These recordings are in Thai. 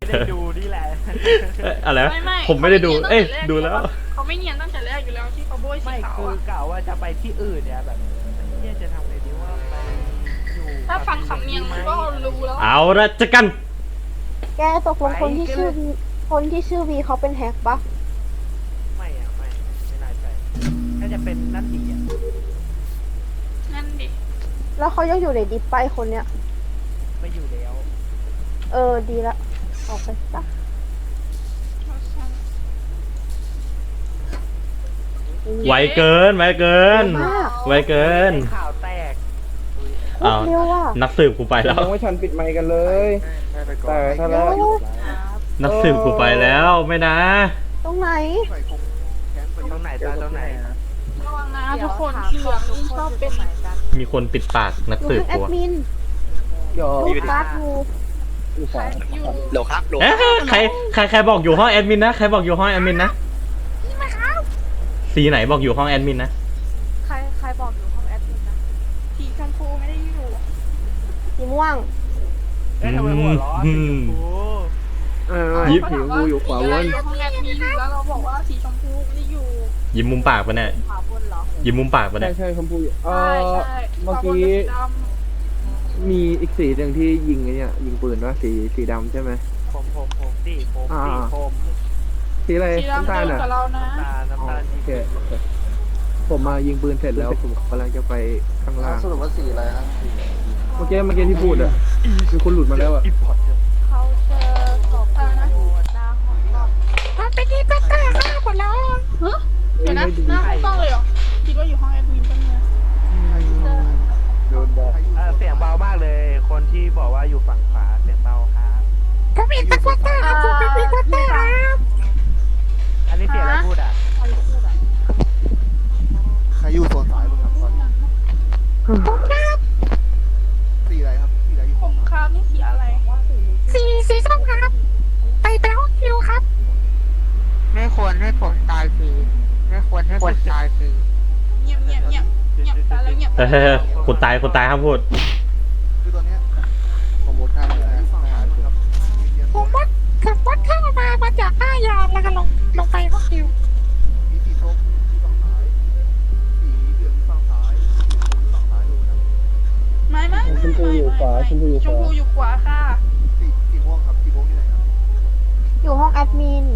ได้ดูนี่แหละอะไรวะไม่ผมไม่ได้ดูเอ้ยดูแล้วเขาไม่เนียนตั้งแต่แรกอยู่แล้วที่เขาโบยสีไม่ขาวคืออะกล่าวว่าจะไปที่อื่นเนี่ยแบบเนี่ยจะทำไงดีว่าไปอยู่ถ้าฟังสำเนียงมันก็รู้แล้วเอาละจะกันแกตกลงคนที่ชื่อวีเขาเป็นแฮกปะไม่อะไม่น่าใช่น่าจะเป็นนั่นดีอะนั่นดิแล้วเขายังอยู่ในดิปไปคนเนี้ยไม่อยู่แล้วดีละออกไปซะไวเกินไวเกินมากไวเกินข่าวแตกโคตรเร็วว่ะนักสืบกูไปแล้วยังไม่ทันปิดไมค์กันเลยแต่ถ้าแล้วนักสืบกูไปแล้วไม่นะตรงไหนตรงไหนตาตรงไหนระวังนะทุกคนเหลืองนี่ชอบเป็นมีคนปิดปากนักอยู่สืบทางแอกูดอะมินหยอรูดการ์ดอยู่อยู่ขวาอยู่โหลครับโหลเอ๊ะใครบอกอยู่ห้องแอดมินนะใครบอกอยู่ห้องแอดมินนะสีไหนบอกอยู่ห้องแอดมินนะใครบอกอยู่ห้องแอดมินนะสีชมพูไม่ได้อยู่สีม่วงเอ๊ะทำไมหัวร้อนสีชมพูยิบผิวกูอยู่ขวาบนห้องแอดมินแล้วเราบอกว่าสีชมพูไม่ได้อยู่ยิ้มมุมปากปะเนี่ยขวาบนเหรอยิ้มมุมปากปะใช่เนี่ยใช่ชมพูอยู่ใช่เมื่อกี้ดมีอีกสีหนึ่งที่ยิงไอ้เนี่ยยิงปืนว่าสีดำใช่ไหมผมสีผมสีอะไรำสีดำน้ำตาลเดินอ่ะกับเรานะน้ำตาลโอเคผมมายิงปืนเสร็จแล้วผมกำลังจะไปข้างล่างสรุปว่าสีอะไรครับเมื่อกี้ที่พูดอ่ะมีคนหลุดมาแล้วอ่ะอิมพอร์ตเขาเจอศพอยู่หน้าห้องกล้องมันเป็นที่ก็ฆ่าหมดแล้วเดี๋ยวนะหน้าห้องกล้องเลยเหรอคิดว่าอยู่ห้องแอดมินกันเนี่ยโดนบอกเสียงเบามากเลย คนที่บอกว่าอยู่ฝั่งขวาเสียงเบาครับผมเป็นตะกัวต้าผมเป็นตะกัวต้าครับอันนี้เสียงอะไรพูดอ่ะใครอยู่โซนซ้ายบ้างครับตอนนี้ผมครับสีอะไรครับสีอะไรอยู่ผมครับนี่สีอะไรสีส้มครับไปห้องคิวครับไม่ควรให้ผมตายฟรีไม่ควรให้ผมตายฟรีเงียบตายแล้วเงียบเฮ้ยคนตายห้ามพูดคือตอนเนี้ยผมหมดข้ามเลยนะฝั่งซ้ายครับผมวัดเข้ามาจากหน้ายามแล้วก็ลงไปห้องคิวมีสีส้มที่ฝั่งซ้ายสีเหลืองที่ฝั่งซ้ายสีชมพูที่ฝั่งซ้ายดูนะไม่ชมพูอยู่ขวาค่ะสีม่วงครับสีม่วงที่ไหนครับอยู่ห้องแอดมิน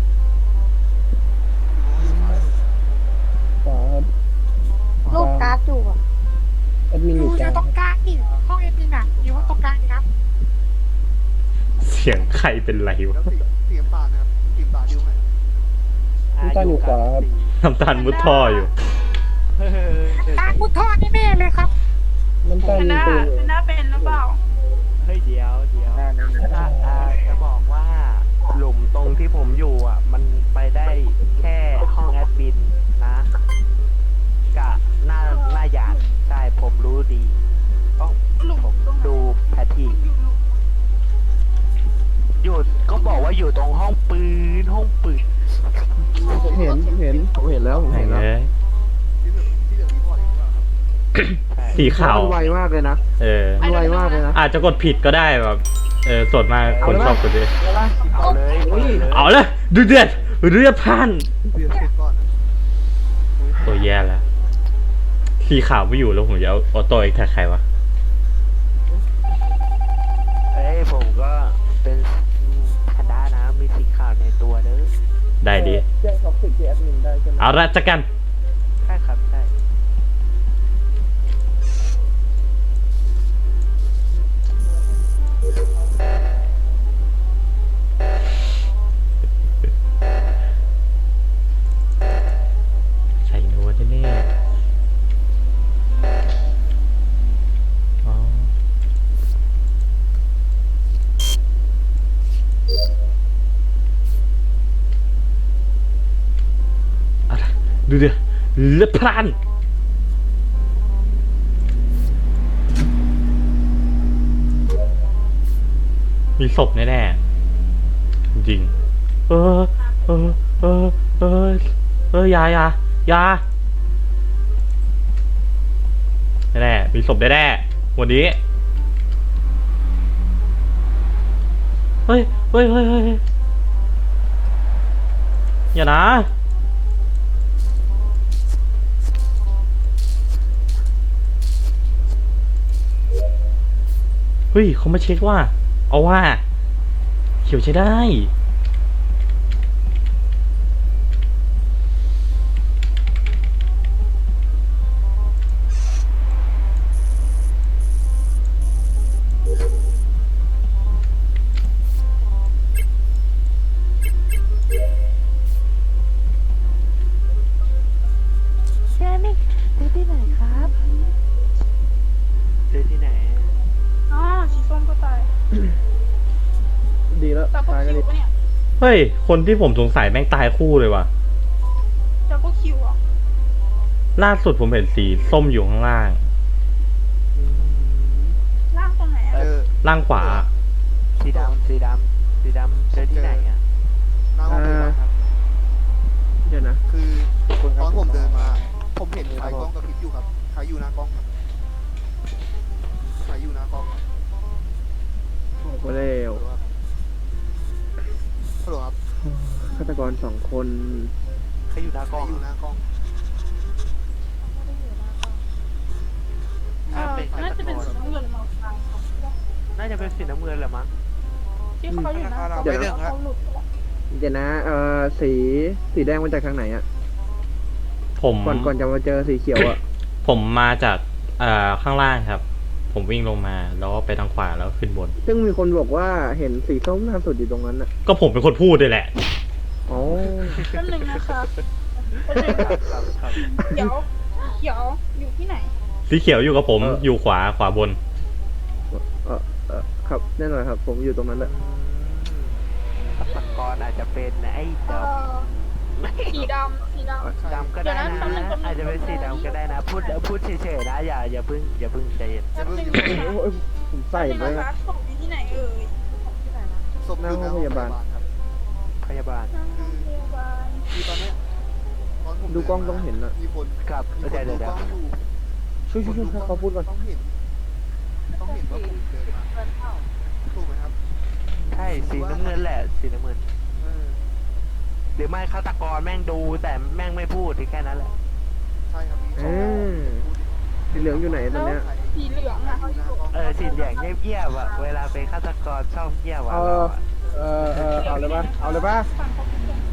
ขวาครับรูดการ์ดอยู่อะแอดมินอยู่กลางตรงกลางนี่ห้องเอ็มพีน่ะอยู่ตรงกลางครับเสียงใครเป็นไรแล้ววะสีน้ำตาลนะครับสีน้ำตาลที่ตรงไหนครับน้ำตาลอยู่ขวาครับน้ำตาลมุดท่ออยู่กลางมุดท่อนี่แน่เลยครับน้ำตาลมีปืนอยู่เป็นหน้าเป็นหรือเปล่าเฮ้ยเดี๋ยวจะบอกว่าหลุมตรงที่ผมอยู่อ่ะ มันไปได้แค่ห้องแอดมินนะกะหน้ายานใช่ผมรู้ดีผมดูแพทที่อยู่ก็บอกว่าอยู่ตรงห้องปืนผมเห็นแล้วผมไหนเห็นแล้วเอ้ยที่เหลืองรีพอร์ตเองหรือเปล่าครับสีขาวมันไวมากเลยนะ มันไวมากเลยนะอาจจะกดผิดก็ได้แบบส่วนมากคนชอบกดด้วยเอาเลยเอาเลยดูเดือดพล่านเรียนเสร็จก่อนนะตัวแย่แล้ว สีขาวไม่อยู่แล้วผมจะเอาออโต้อีกแท็กใครวะเอ้ยผมก็เป็นคณะนะมีสีขาวในตัวเด้อได้ดีแจ้งท็อกซิกที่แอดมินได้ใช่ไหมเอาละจักกันใช่ครับใช่ใส่โน้ตแน่ๆอ๋ออะไรดูเดือดพล่านมีศพแน่ๆจริงยาแน่ๆมีศพแน่ๆวันนี้เฮ้ยเฮ้ยเฮ้ยเฮ้ยอย่านะเฮ้ยเขามาเช็คว่าเอาว่าเขียวใช้ได้เจอที่ไหนอ๋อสีส้มก็ตายดีแล้วดับเบิลตายกันคิดิวปะเนี่ยเฮ้ยคนที่ผมสงสัยแม่งตายคู่เลยว่ะดับเบิลคิวอ่ะล่าสุดผมเห็นสีส้มอยู่ข้างล่างล่างตรงไหนเจอ่ะอล่างขวาสีดำสีดำสีดำเจอที่ไหนอ่ะหน้าห้องพยาบาลครับเดี๋ยวนะคือตอนผมเดินมา ผมเห็นไฟกล้องกระพริบอยู่ครับใครอยู่หน้ากล้องครับใครอยู่หน้ากล้องครับออกมาแล้วฮัลโหลครับฆาตกร2 คนเขาอยู่หน้ากใครล้องอยู่หน้ากล้องน่าจะเป็นสีน้ำเงินมาฟังน่าจะเป็นสีน้ำเงินแหละมั้งที่เขาอยู่นะเขาหลุดไปแล้วเดี๋ยวนะสีแดงมาจากทางไหนอะผมก่อนจะมาเจอสีเขียวอะผมมาจากข้างล่างครับ ผมวิ่งลงมาแล้วก็ไปทางขวาแล้วขึ้นบนซึ่งมีคนบอกว่าเห็นสีส้มล่าสุดอยู่ตรงนั้นอะก็ผมเป็นคนพูดด้วยแหละอ๋อแป๊บนึงนะคะครับเขียวอยู่ที่ไหนสีเขียวอยู่กับผมอยู่ขวาบนครับแน่นอนครับ ผมอยู่ตรงนั้นแหละฆาตกรอาจจะเป็นไอ้ดสีดำำดำก็ได้นะ อาจจะเป็นสีดำก็ได้นะ พูดเฉยๆนะอย่าเพิ่งใจเย็นแป๊บนึงโอ้ยผมใส่ไปไปนะนะคะศพอยู่ที่ไหนเอ่ยศพอยู่หน้าห้องพยาบาลครับพยาบาลทางโรงพยาบาลคือตอนเนี้ยตอนผมดูกล้องต้องเห็นอะมีคนครับมีคนเดี๋ยวดูกล้องอยู่ช่วยให้เขาพูดก่อนต้องเห็นว่าผมเดินมาถูกไหมครับใช่สีน้ำเงินแหละสีน้ำเงินเออหรือไม่ฆาตกรแม่งดูแต่แม่งไม่พูดแค่นั้นแหละใช่ครับมีสีเหลืองอยู่ไหนตอนเนี้ยสีเหลืองอ่ะสีเหลืองเงียบๆอะเวลาเป็นฆาตกรชอบเงียบอะเอาเลยป่ะ เอาเลยป่ะฝั่งเขาเป็นคน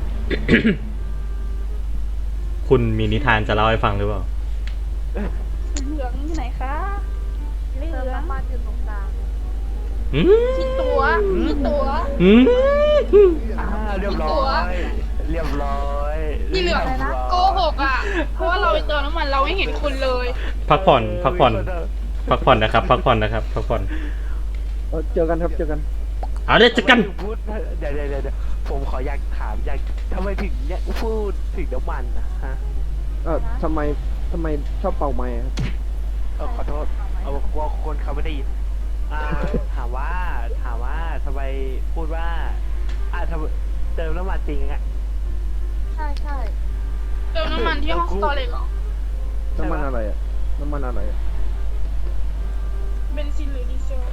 คุณมีนิทานจะเล่าให้ฟังหรือเปล่าสีเหลืองอยู่ไหนคะเหลืองอืมมีตัวอืมเรียบร้อยเรียบร้อยสีเหลืองโกหกอ่ะ เพราะว่าเราไปเติมน้ำมันเราไม่เห็นคุณเลยพักผ่อนนะครับ พักผ่อนนะครับ พักผ่อนเจอกันครับ เจอกันเอาเดี๋ยวจะกันพูดเดี๋ยวผมขออยากถามทำไมถึงเนี่ยพูดถึงน้ำมันนะฮะทำไมชอบเป่าไม้ครับขอโทษกลัวคนเขาไม่ได้ยินถามว่าทำไมพูดว่าทำเติมน้ำมันจริงอะเติมน้ำมันที่ห้องสตอเรจเหรอน้ำมันอะไรอะน้ำมันอะไรอะเบนซินหรือดีเซล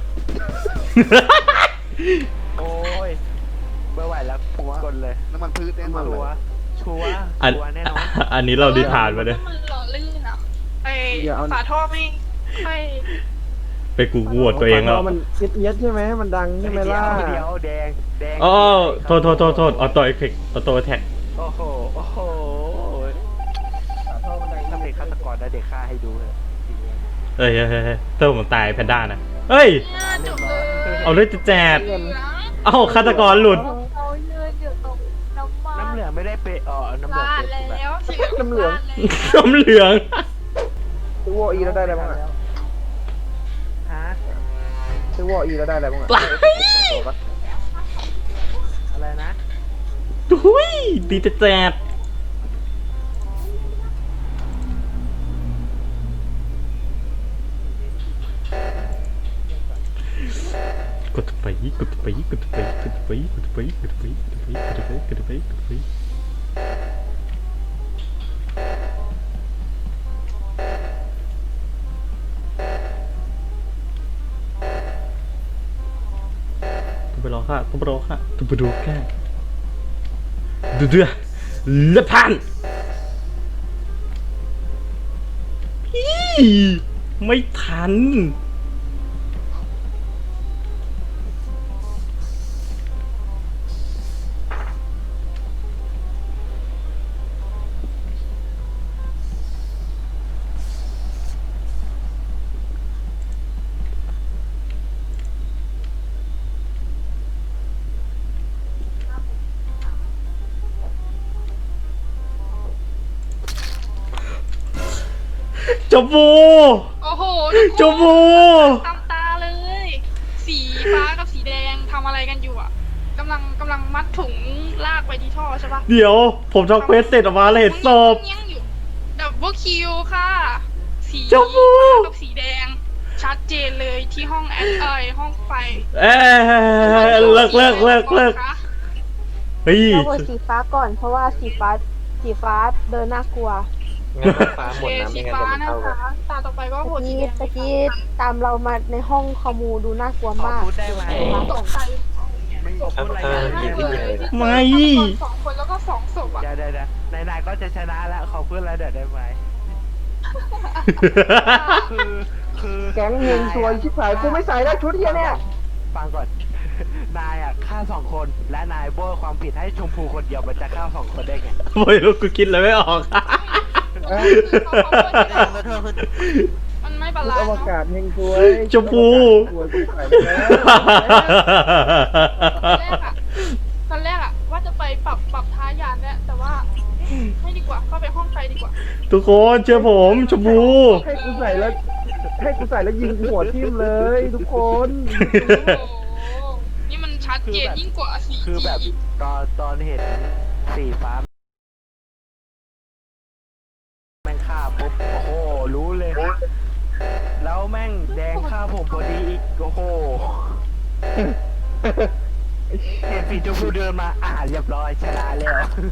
โอ้ยไม่ไหวแล้วกดเลยน้ำมันพืชแน่นอนชัเลวย ร์ชัวร์อันแน่นอนอันนี้เราดิทานมาเนี่ยมันหล่อลื่นอ่ะไอฝาท่อไม่ค่อยไปกูโหวตตัวเองแล้วมันเอียดใช่ไหมมันดังใช่ไหมล่ะเดี๋ยวแดงอ๋อโทษออโต้เอฟเฟกต์ออโต้แท็กโอ้โหถ้าเป็นฆาตกรได้เด็กฆ่าให้ดูเลยเฮ้ยเติมผมตายแพนด้านะ เฮ้ยจบเลยเอาเลยจะแจกเหลืองเอ้าฆาตกรหลุดน้ำเหลืองไม่ได้เปน้ำเหลืองบ้านเป็นแบบแล้วสีน้ำเหลืองน้ำเหลืองซื้อวออีแล้วได้อะไรบ้างอะฮะซื้อวออีแล้วได้อะไรบ้างอะอะไรนะดุยดีจะแจกกดไปไปรอค่ะต้องไปรอค่ะต้องไปดูแค่ดูเดือละพันอีไม่ทันจมูโอ้โหจมูตามตาเลย สีฟ้ากับสีแดงทำอะไรกันอยู่อ่ะกำลังมัดถุงลากไปที่ท่อใช่ปะเดี๋ยวผมทำเควสเสร็จออกมาแล้วเห็นศพยังอยู่ดับเบิลคิวค่ะ สีจมูฟ้ากับสีแดง ชัดเจนเลยที่ห้องห้องไฟเลิกเฮ้ยเราโหวตสีฟ้าก่อนเพราะว่าสีฟ้าเดินน่ากลัวงั้นต้องฟ้าหมโอดเคนะสีไม่งั้นฟ้าเดี๋ยวมันนะเข้ากันคะตาต่อไปก็โหวตสีแดงตะกี้ตามเรามาในห้องคอมูดูน่ากลัวขอมากพูดได้ไหมตกใจไม่ขอพูดอะไรกันมากเลยที่ไม่สองคนแล้วก็สองศพอ่ะเดี๋ยวนายก็จะชนะแล้วขอพูดอะไรเดี๋ยวได้ไหมคือแก๊งเฮงซวยชิบหายกูไม่ใส่แล้วชุดเฮียเนี่ยฟังก่อน นายอ่ะฆ่า2 คนและนายโบยความผิดให้ชมพูคนเดียวมันจะฆ่า2 คนได้ไงไม่รู้กูคิดอะไรไม่ออกมันไม่บาชุดลานอซ์วเนาะกาศเฮงซวยชมพูสวยกูใส่ไปแล้วตอนแรกอะว่าจะไปปรับท้ายานแล้วแต่ว่าไม่ดีกว่าเข้าไปห้องไฟดีกว่าทุกคนเชื่อผมชมพูให้กูใส่แล้วยิงหัวทิ่มเลย ทุกคนโอ้โหนี่มันชัดเจนยิ่งกว่าสีคือแบบตอนเห็นสีฟ้าแม่งฆ่าปุ๊บโอ้โหรู้เลย แล้วแม่งแดงฆ่าผมพอดีอีกโอ้โหเห็นสีชมพูเดินมาเรียบร้อยชนะแล้ว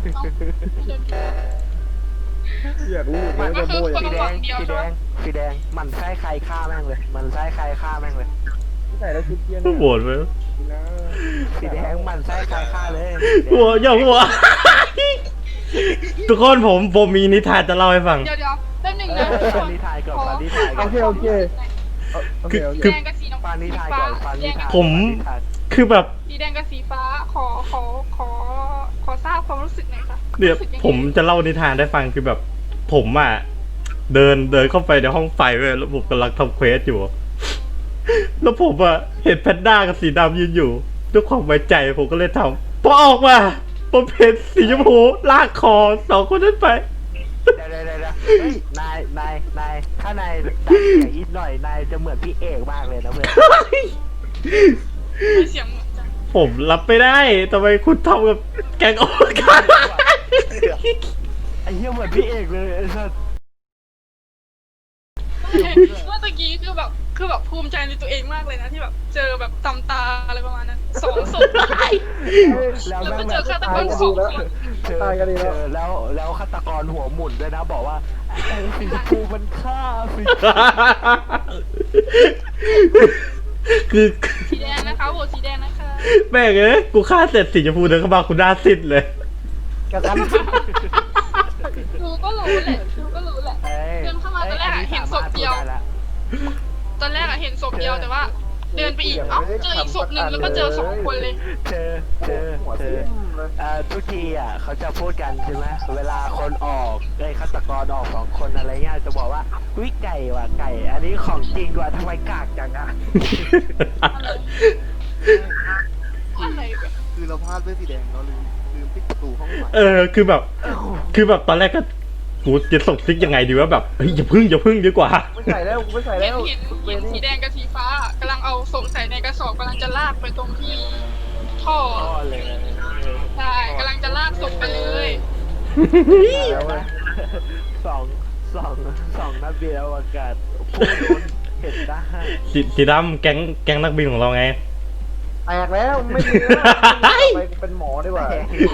อยากรู้เหมือนกันว่าโบยสีแดงมันไส้ใครฆ่าแม่งเลย มันไส้ใครฆ่าแม่งเลยใส่แล้วชุดเฮียโหวตไหมนะสีแดงมันไส้ใครฆ่าเลยหัวอย่าหัว ทุกคนผมมีนิทานจะเล่าให้ฟังเดี๋ยวแป๊บหนึงนะฟังนิทานก่อนฟังนิทานก่อนโอเคโอเคสีแดงกับสีน้ำฟังนิสีทานฟ้าก่อนฟังนิทานผม คือแบบสีแดงกับสีฟ้าขอทราบความรู้สึกหน่อยค่ะเดี๋ยวรู้สึกงไงผมจะเล่านิทานได้ฟังคือแบบ ผมอ่ะเดินเข้าไปในห้องไฟเว้ยแล้วผมกำลังทำเควสอยู่ แล้วผมอ่ะเห็นแพนด้ากับสีดำยืนอยู่ด้วยความไว้ใจผมก็เลยทำพอออกมาผมเห็นสีชมพูลากคอ2 คนนั้นไปเดี๋ยวเฮ้ยนายถ้านายดังเสียงอีกหน่อยนายจะเหมือนพี่เอกมากเลยนะเพื่อนมีเสียงเหมือนจังผมรับไม่ได้ทำไมคุณทำกับแกงโอ๊ตกันไอ้เหี้ยเหมือนพี่เอกเลยไอ้สัสเมื่อตะกี้คือแบบภูมิใจในตัวเองมากเลยนะที่แบบเจอแบบตำตาอะไรประมาณนั้น2 ศพแล้วแล้วแม่ก็งเจแบอบฆาตกร2 คนเจอแล้วฆาตกรหัวหมุนด้วยนะบอกว่าไอ้สีชมพูมันฆ่าสีคือสีแดงนะคะโหวตสีแดงนะคะแม่งเอ้ยกูฆ่าเสร็จสีชมพูเดินเข้ามาคุณหน้าซิดเลยกระกันดูก็รู้แหละเดินเข้ามาตอนแรกอะเห็นศพเดียว ตอนแรกอะเห็นศพเดียวแต่ว่า เดินไปอีกเจออีกศพหนึ่งแล้วก็เจอ2 คนเลยเจอทุกทีอ่ะเขาจะพูดกันใช่ไหมเวลาคนออกฆาตกรออก2 คนอะไรเงี้ยจะบอกว่าวิไก่ว่ะไก่ อันนี้ของจริงว่ะทำไมกากจังอ่ะอะไรแบบคือเราพลาดด้วยสีแดงเราลืมปิดประตูห้องใหม่คือแบบตอนแรกก็กูจะส่งซิกยังไงดีว่าแบบเฮ้ยอย่าพึ่งดีกว่าไม่ใส่แล้วไม่ใส่เห็แล้นวเห็นสีแดงกับสีฟ้ากำลังเอาศพใส่ในกระสอบกำลังจะลากไปตรงที่ท่อพ่อเลยใช่กำลังจะลากศพไปเลยสองนักบินอวกาศพูดโดนเห็นได้สีดำแก๊งนักบินของเราไงแตกแล้วไม่มีแล้วไปเป็นหมอดีกว่า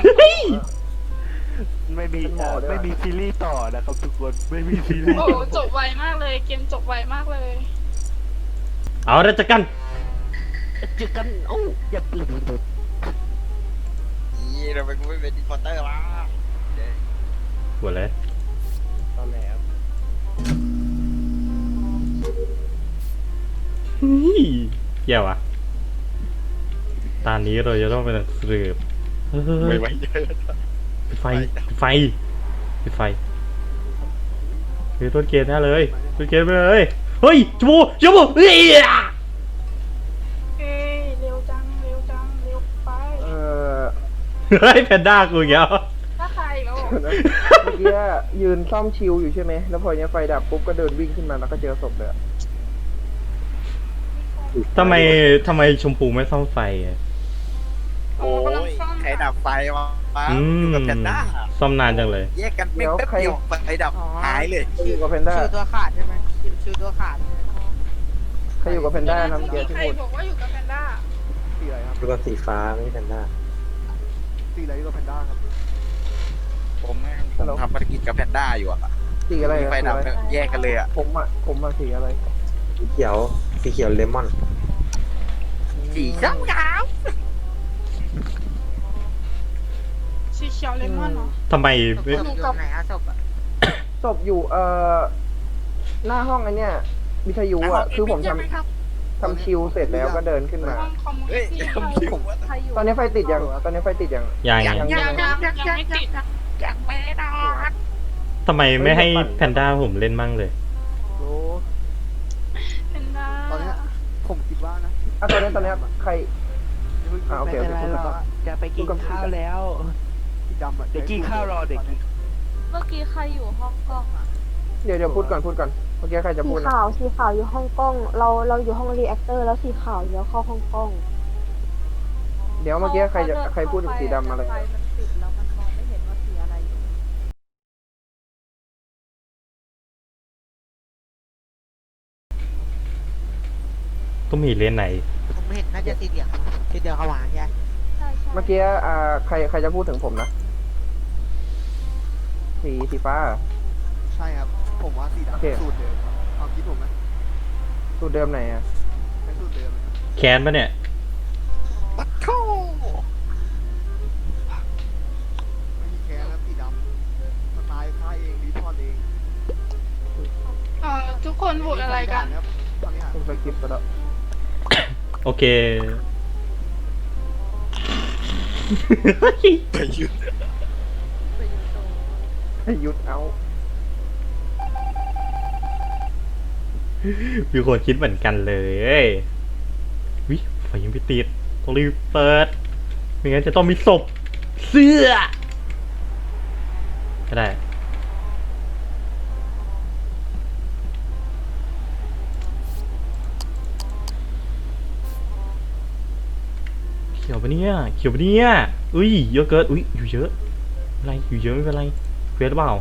ไม่มีซีรีส์ต่อนะครับทุกคนไม่มีซีรีส์โอ้จบไวมากเลยเกมจบไวมากเลยเอาละจัดกันเจอกันโอ้อย่าตื่นนี่ทำไมกูไม่เป็นอินพอร์เตอร์วะหัวเลยตอนแล้วเกี่ยวอะตอนนี้เราจะต้องเป็นนักสืบเฮ้ไม่ยไหวเยอะปิดไฟปิดไฟปิดไฟเฮ้ยต้นเกณฑ์แน่เลยต้นเกณฑ์ไปเลยเฮ้ยจูบูเฮ้ยเอ้ยเร็วจังเร็วจังเร็วไปเฮ้ยแพนด้ากูอย่างเงี้ยถ้าใครแล้วเมื่อกี้ยืนซ่อมชิวอยู่ใช่ไหมแล้วพอเนี้ยไฟดับปุ๊บก็เดินวิ่งขึ้นมาแล้วก็เจอศพเลยอะทำไมชมพูไม่ซ่อมไฟอะโอ้ยใครดับไฟวะอือยู่มกับแพนด้าซ่อมนานจังเลยแยกกันไม่แป๊บเดียวไฟดับหายเลยใครอยู่กับแพนด้าชิวตัวขาดใช่ไหมชิวตัวขาดใช่ไหมใครอยู่กับแพนด้านะเมื่อกี้ที่ใครพูดบอกว่าอยู่กับแพนด้าสีอะไรครับดูกับสีฟ้าไม่ใช่แพนด้าสีอะไรก็แพนด้าครับผมทำภารกิจกับแพนด้าอยู่อะสีอะไรมีอะไฟดับแยกกันเลยอะผมมาสีอะไรสีเขียวเลมอนสีส้มขาวสีเขียวเลมอนเนาะทำไมศพไม่อยู่ไหนอะศพอะศพอยู่หน้าห้องไอ้เนี่ยวิทยุอ่ะคือผมทำชิวเสร็จแล้วก็เดินขึ้นมาห้องคอมมูนิเฮ้ยตี้ทำชิววะตอนนี้ไฟติดยังตอนนี้ไฟติดยังยังไงยังไม่ติดยังไม่นอนทำไมไม่ให้แพนด้าผมเล่นมั่งเลยโอ้แพนด้าตอนเนี้ยผมคิดว่านะตอนนี้ใคร โอเคไม่เป็นไรหรอกจะไปกินข้าวแล้วสีดำอะเด็กกินข้าวรอเด็กกินเมื่อกี้ใครอยู่ห้องกล้องอ่ะเดี๋ยวพูดก่อนเมื่อกี้ใครจะสีพูดนะขาวอยู่ห้องกล้อง เราอยู่ห้องรีแอคเตอร์แล้วสีขาวเดี๋ยวเข้าห้องกล้องเดี๋ยวเมื่อกี้ใครพูดถึงสีดำอะไรไฟมันติดแล้วมันมองไม่เห็นว่าสีอะไรอยู่ต้องมีเลนไหนผมเห็นน่าจะสีเหลืองสีเหลืองขาวหวานใช่ใช่เมื่อกี้ใครจะพูดถึงผมนะสีฟ้าใช่ครับ ผมว่าสีโอเคดำสูตรเดิมครับความคิดผมนะสูตรเดิมไหนอ่ะเป็นสูตรเดิมนะครับแค้นปะเนี่ยปัดโถไม่มีแคร์แล้วสีดำสไตล์ค่ายเองรีพอร์ตเองทุกคนโหวตอะไรกันครับตอนนี้หาผมสกิปไปแล้วโอเคไปยืนให้หยุดเอามีคนคิดเหมือนกันเลยวิไฟยังไม่ติดต้องรีบเปิดไม่งั้นจะต้องมีศพเสื้อก็ได้เขียวปะเนี่ยอุ้ยเยอะเกินอุ้ยอยู่เยอะอะไรอยู่เยอะไม่เป็นไรเกลียดหรือเปล่า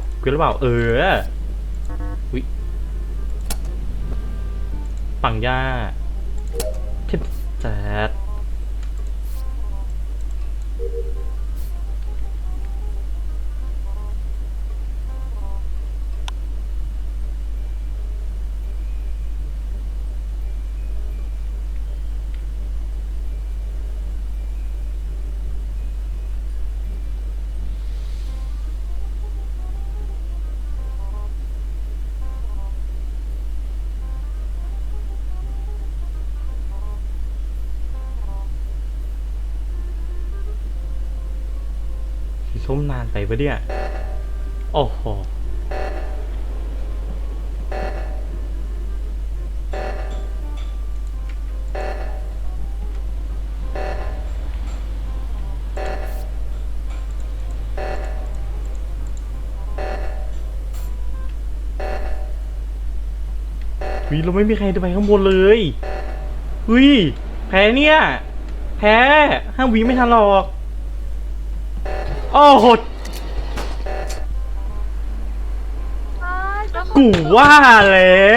อุ้ยปังย่าเทปแซดสีส้มนานไปปะเนี่ยโอ้โหเราไม่มีใครจะไปข้างบนเลยแพ้เนี่ย5 วิไม่ทันหรอกโอ้โหกูว่าแล้ว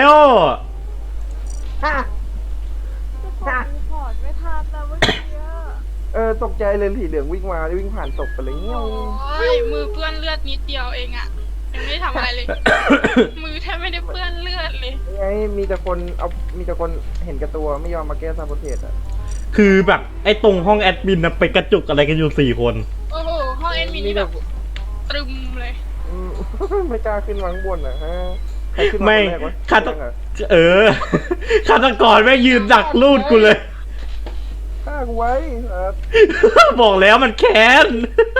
ทุกคนรีพอร์ตไม่ทันนะเมื่อกี้อะตกใจเลยสีเหลืองวิ่งมาวิ่งผ่านศพไปเลยเงี้ยโอ้ยมือเปื้อนเลือดนิดเดียวเองอะยังไม่ได้ทำอะไรเลย มือแทบไม่ได้เปื้อนเลือดเลยไงมีแต่คนเห็นแกับตัวไม่ยอมมาแก้ซาโบเทสอ่ะคือแบบไอ้ตรงห้องแอดมินนะไปกระจุกอะไรกันอยู่4 คนโอ้โหห้องแอดมินนี่แบบตรึมเลยอืม ไม่กล้าขึ้นมาข้างบนอ่ะฮะใครขึ้นมาไม่คนแรกวะฆาตฆาตกรแม่งยืนดักลูดกูเลยฆ่ากูไว้ครับบอกแล้วมันแค้น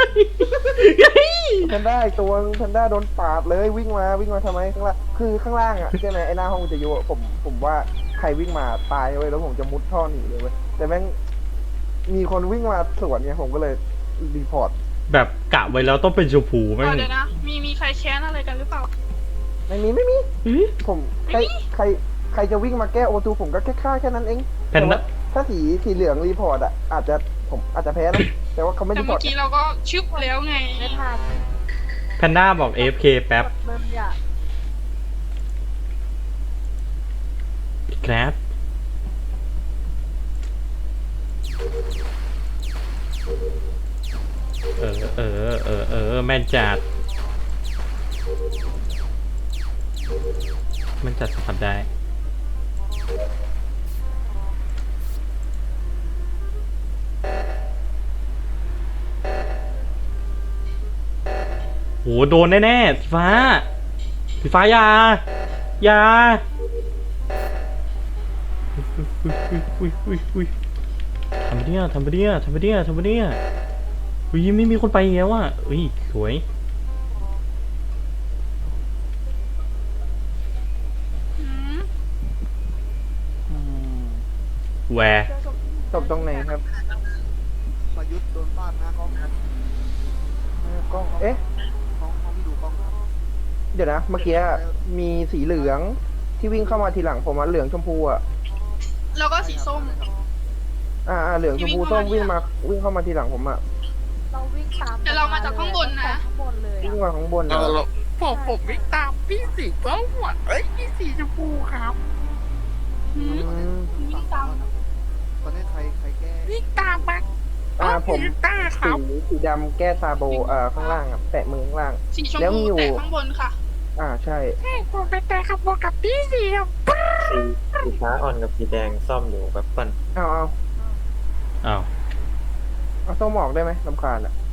แพนด้าอีกตัวแพนด้าโดนปาดเลยวิ่งมาทำไมข้างล่างคือข้างล่างอ่ะใช่ไหมไอ้หน้าห้องวิทยุอะผมว่าใครวิ่งมาตายเว้ยแล้วผมจะมุดท่อหนีเลยเว้ยแต่แม่งมีคนวิ่งมาสวนเนี่ยผมก็เลยรีพอร์ตแบบกะไว้แล้วต้องเป็นชมพูแม่งเดี๋ยวนะ มีใครแค้นอะไรกันหรือเปล่าไม่มีผมใครจะวิ่งมาแก้โอทูผมก็แค่ฆ่าแค่นั้นเองแพนด้าถ้าสีเหลืองรีพอร์ตอ่ะผมอาจจะแพ้นะแต่ว่าเขาไม่แต่รีพอเมื่ร์อตกี้เราก็ชึบแล้วไงไม่ทันแพนด้าบอก AFK แป๊บเริ่มอยากครับ แม่นจัดแม่นจัดสัมผัสได้โหโดนแน่ๆสีฟ้าอย่าอุ้ยทำไปเนี่ยอุ้ยไม่มีคนไปอีกแล้วอ่ะอุ้ยสวย แวร์จบตรงไหนครับประยุทธ์โดนฟาดหน้ากล้องครับกล้องเอ๊ะห้องที่ดูกล้องครับเดี๋ยวนะเมื่อกี้มีสีเหลืองที่วิ่งเข้ามาทีหลังผมอ่ะเหลืองชมพูอ่ะแล้วก็สีส้มเหลืองชมพูส้มวิ่งเข้ามาทีหลังผมอ่ะเราวิ่งตามแต่เรามาจากข้างบนนะข้างบนเลยวิ่งอะมาข้างบนผมวิ่งตามพี่สีส้มอ่ะพี่สีชมพูครับหืม วิ่งตามตอนนี้ใครแก้วิ่งตามมันผมตาครับสีดำแก้ซาโบข้างล่างอ่ะแตะมือข้างล่างสีชมแล้วมีพูอยู่แต่ข้างบนค่ะใช่ใช่ผมเป็นแต่ขับวกับพี่สีครับสีฟ้าอ่อนกับสีแดงซ่อมอยู่แบบปั่นเอาอ้าวส้มออกได้ไหมลำคาญอ่ะ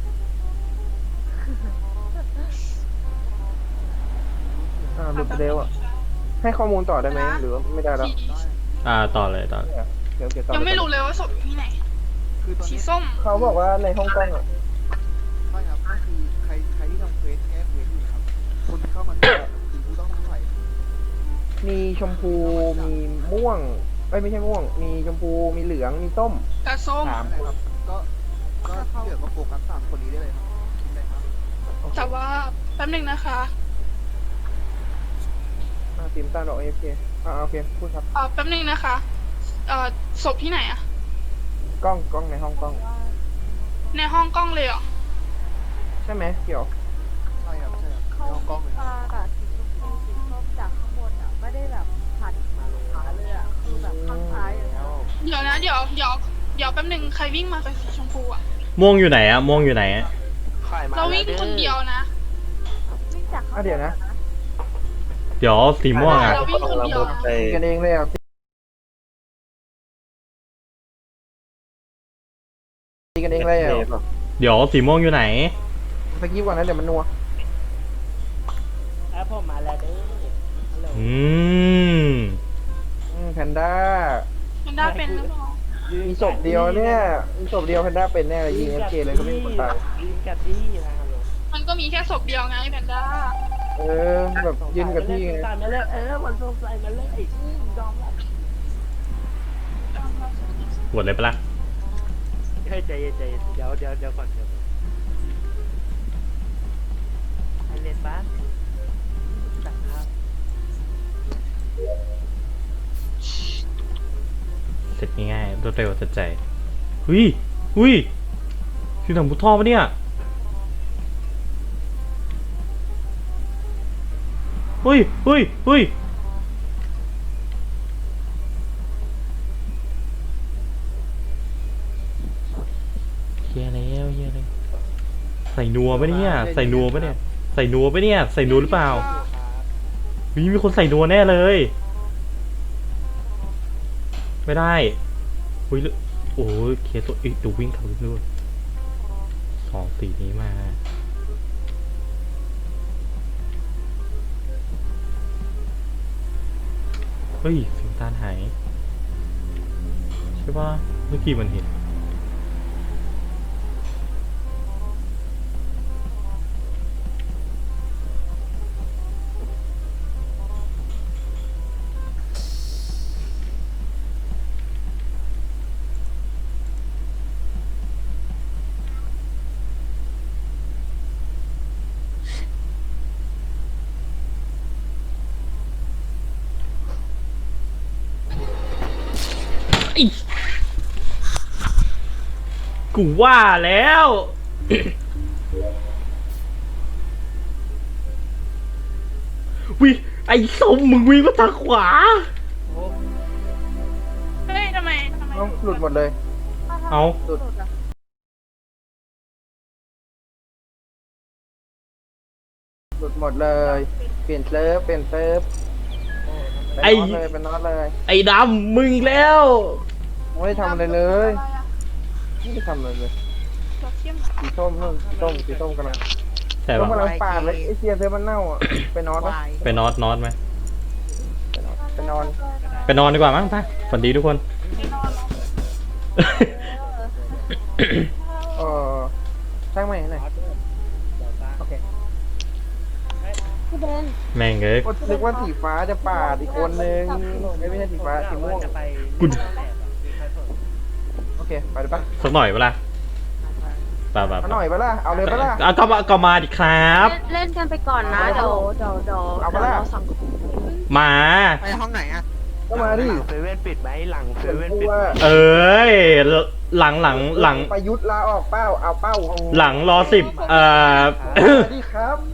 หลุดไปเร็วอ่ะให้ข้อมูลต่อได้ไหมหรือว่าไม่ได้แล้วต่อเลยเดี๋ยวต่อยังไม่รู้เลยว่าศพอยู่ที่ไหนคือตอนสีนี้ส้มเขาบอกว่าในห้องกล้องอ่ะใช่ครับก็คือใครที่ทำเควสแก้เควสอยู่นะครับคนที่เข้ามาแก้คือผู้ต้องสงสัยมีชมพูมีม่วงไม่ใช่ม่วง มีชมพูมีเหลืองมีส้มกับส้มนั่นแหละครับก็ที่เหลือก็โฟกัส3 คนนี้ได้เลยครับได้ครับแต่ว่าแป๊บหนึงนะคะทีมตาดอกAFKโอเคพูดครับแป๊บหนึงนะคะศพที่ไหนอะกล้องในห้องกล้องในห้องกล้องเลยเหรอใช่ไหมเกี่ยวใช่ครับในเขาห้องกล้องเลยมากับสีชมพูสีส้มจากข้างบนอ่ะไม่ได้แบบผัดมาลงขาเลยอ่ะคือแบบข้างซ้ายอย่างเงี้ยเดี๋ยวนะ เดี๋ยวแป๊บหนึงใครวิ่งมากับสีชมพูอะม่วงอยู่ไหนอะเราวิ่งคนเดียวนะวิ่งจากข้างบนเดี๋ยวนะเดี๋ยวสีม่วงอะเราวิ่งคนเดียวไปตีกันเองเลยอ่ะตีกันเองเลยอ่ะเทปอะเดี๋ยวสีม่วงอยู่ไหนสกิปก่อนนะเดี๋ยวมันนัวผมมาแล้วเด้อฮัลโหลแพนด้ามันได้เป็นหรือเปล่ามีศพเดียวเนี่ยมีศพเดียวแพนด้าเป็นแน่เลยยิงFKเลยก็ไม่มีคนตายยืนกัดดี้นะฮัลโหลมันก็มีแค่ศพเดียวไงแพนด้าแบบยืนกับที่ไงสงสัยมาเลยมันสงสัยมาเลยยอมรับหวดเลยปะล่ะเฮ้ยใจเย็นเดี๋ยวก่อนให้เล่นบ้านจับครับเสร็จง่ายๆรวดเร็วทันใจคือทำบุท่อปะเนี่ยเฮ้ยเฮียแล้วใส่นัวปะเนี่ยใส่นัวหรือเปล่ามีคนใส่นัวแน่เลยไม่ได้โอ้ยเคสตัวอีกดูวิ่งทะลุด้วยสองสีนี้มาเฮ้ยเสียงตาลหายใช่ป่ะเมื่อกี้มันเห็นกูว่าแล้ว วิไอ้ส้มมึงวิ่งมาทางขวาเฮ้ยทำไมเอ้าหลุดหมดเลยเอาหลุดอะหลุดหมดเลย เปลี่ยนเซิร์ฟเป็นน็อตเลยไอ้ดำมึงอีกแล้วไม่ได้ทำอะไรเลยอะไรอะไม่ได้ทำอะไรเลยเราเข้มสีส้มนู่นสีส้มกำลังใช่ส้มป่ะกำลังปาดเลยไอเซียเซิร์ฟมันเน่าอ่ะไปนอนปะไปนอนไหมไปนอนไปนอนดีกว่ามั้งไปฝันดีทุกคนเออช่างใหม่หน่อยโอเคพี่เบนแม่งเอ้ยก็นึกว่าสีฟ้าจะปาดอีกคนนึงไม่ใช่สีฟ้าสีม่วงกูโอเคไปเลยปะสักหน่อยเปะล่าป่าเอาหน่อยปะล่ะเอาเลยปะล่ะเอาก็มาดิครับเล่นกันไปก่อนนะเดี๋ยวเอาปะล่ะเราสั่งมาไปห้องไหนอะก็มาดิเซเว่นปิดไหมหลังเซเว่นพูดปิดว่าเอ้ยหลังประยุทธ์ลาออกเป้าเอาเป้าหลังรอ10 มาดิครับ